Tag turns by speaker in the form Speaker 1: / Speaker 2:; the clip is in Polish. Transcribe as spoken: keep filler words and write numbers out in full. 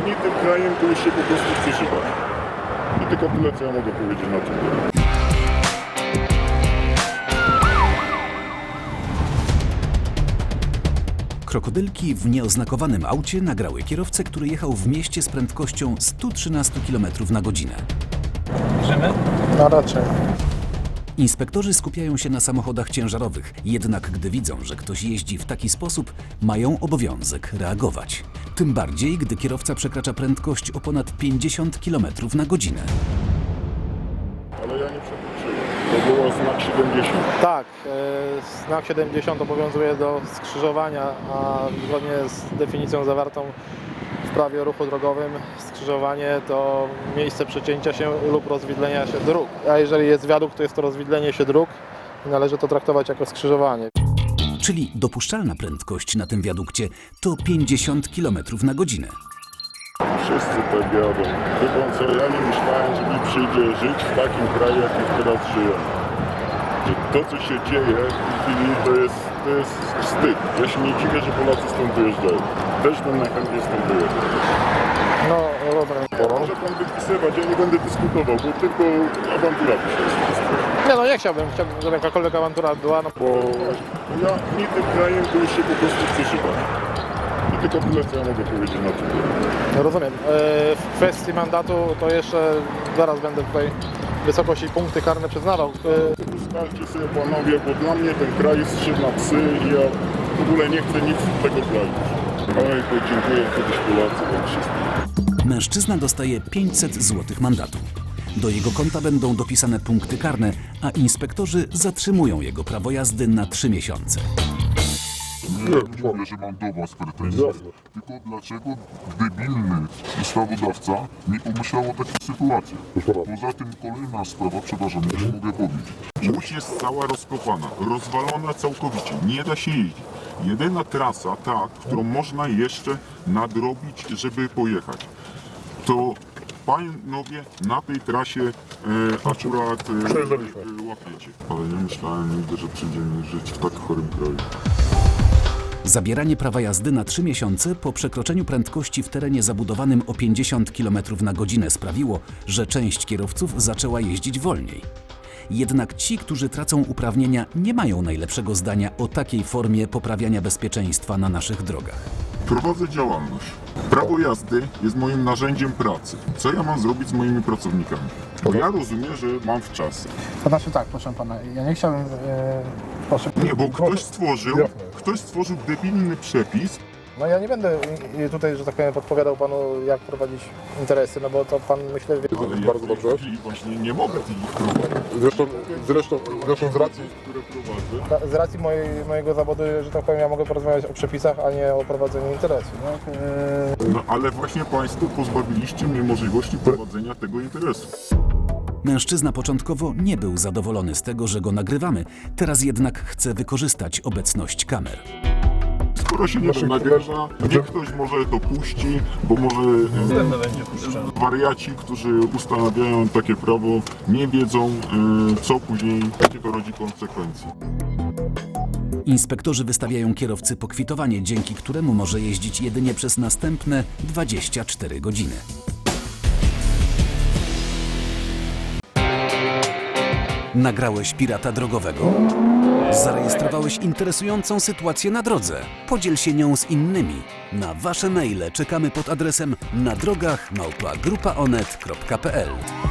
Speaker 1: nie tym krajem, to już się po prostu przeżywać. I tylko tyle, co ja mogę powiedzieć na tym.
Speaker 2: Krokodylki w nieoznakowanym aucie nagrały kierowcę, który jechał w mieście z prędkością sto trzynaście kilometrów na godzinę.
Speaker 3: Bierzemy?
Speaker 4: No raczej.
Speaker 2: Inspektorzy skupiają się na samochodach ciężarowych, jednak gdy widzą, że ktoś jeździ w taki sposób, mają obowiązek reagować. Tym bardziej, gdy kierowca przekracza prędkość o ponad pięćdziesiąt kilometrów na godzinę.
Speaker 1: Ale ja nie przekroczyłem. To było znak siedemdziesiąt.
Speaker 4: Tak, e, znak siedemdziesiąt obowiązuje do skrzyżowania, a zgodnie z definicją zawartą w prawie o ruchu drogowym skrzyżowanie to miejsce przecięcia się lub rozwidlenia się dróg. A jeżeli jest wiadukt, to jest to rozwidlenie się dróg i należy to traktować jako skrzyżowanie.
Speaker 2: Czyli dopuszczalna prędkość na tym wiadukcie to pięćdziesiąt kilometrów na godzinę.
Speaker 1: Wszyscy tak jadą. Wie pan co, ja nie myślałem, że mi przyjdzie żyć w takim kraju, jakim teraz żyję. Że to, co się dzieje w tej chwili, to jest, to jest wstyd. Ja się nie dziwię, że Polacy stąd wyjeżdżają. Też bym najchętniej stąd wyjeżdżał.
Speaker 4: No, rozumiem.
Speaker 1: Może pan wypisywać, ja nie będę dyskutował, bo tylko awantura tu się jest.
Speaker 4: Nie no, nie chciałbym, chciałbym, żeby jakakolwiek awantura była, no
Speaker 1: Bo ja nie tym krajem, to już się po prostu przeżywać. I tylko tyle, co ja mogę powiedzieć na tym.
Speaker 4: rozumiem. E, w kwestii mandatu to jeszcze zaraz będę tutaj wysokość i punkty karne przyznawał. E,
Speaker 1: Ustalcie sobie panowie, bo dla mnie ten kraj jest trzy na psy i ja w ogóle nie chcę nic z tego kraju. Oj, to dziękuję kiedyś Polacy wam wszystkim.
Speaker 2: Mężczyzna dostaje pięćset złotych mandatu. Do jego konta będą dopisane punkty karne, a inspektorzy zatrzymują jego prawo jazdy na trzy miesiące.
Speaker 5: Nie mówię, że mam do was pretensje, tylko dlaczego debilny ustawodawca nie pomyślał o takiej sytuacji. Poza tym kolejna sprawa, przepraszam, już mogę powiedzieć. Łódź jest cała rozkopana, rozwalona całkowicie, nie da się jeździć. Jedyna trasa, ta, którą można jeszcze nadrobić, żeby pojechać, to panowie na tej trasie e, akurat e, e, łapiecie. Ale nie myślałem nigdy, że przyjdzie mi żyć w tak chorym kraju.
Speaker 2: Zabieranie prawa jazdy na trzy miesiące po przekroczeniu prędkości w terenie zabudowanym o pięćdziesiąt kilometrów na godzinę sprawiło, że część kierowców zaczęła jeździć wolniej. Jednak ci, którzy tracą uprawnienia, nie mają najlepszego zdania o takiej formie poprawiania bezpieczeństwa na naszych drogach.
Speaker 5: Prowadzę działalność. Prawo jazdy jest moim narzędziem pracy. Co ja mam zrobić z moimi pracownikami? Bo ja rozumiem, że mam w czas.
Speaker 4: To znaczy tak, proszę pana, ja nie chciałbym... E, proszę,
Speaker 5: Nie, bo ktoś stworzył, ktoś stworzył debilny przepis.
Speaker 4: no ja nie będę i- i tutaj, że tak powiem, podpowiadał panu, jak prowadzić interesy, no bo to pan, myślę, wie...
Speaker 5: Ale
Speaker 6: Bardzo
Speaker 5: ja w tej
Speaker 6: dobrze.
Speaker 5: chwili właśnie nie mogę ich prowadzić,
Speaker 6: Zresztą, zresztą, zresztą z racji,
Speaker 5: które prowadzę.
Speaker 4: Z racji mojej, mojego zawodu, że tak powiem, ja mogę porozmawiać o przepisach, a nie o prowadzeniu interesu. Tak? E,
Speaker 5: No ale właśnie państwo pozbawiliście mnie możliwości prowadzenia tego interesu.
Speaker 2: Mężczyzna początkowo nie był zadowolony z tego, że go nagrywamy, teraz jednak chce wykorzystać obecność kamer.
Speaker 5: Skoro się nie
Speaker 6: Naszych
Speaker 5: nagrywa, niech ktoś może to puści, bo może e,
Speaker 3: Pewno będzie puszczone.
Speaker 5: wariaci, którzy ustanawiają takie prawo, nie wiedzą, e, co później, jakie to rodzi konsekwencje.
Speaker 2: Inspektorzy wystawiają kierowcy pokwitowanie, dzięki któremu może jeździć jedynie przez następne dwadzieścia cztery godziny. Nagrałeś pirata drogowego? Zarejestrowałeś interesującą sytuację na drodze? Podziel się nią z innymi. Na wasze maile czekamy pod adresem na drogach małpa grupa onet kropka p l.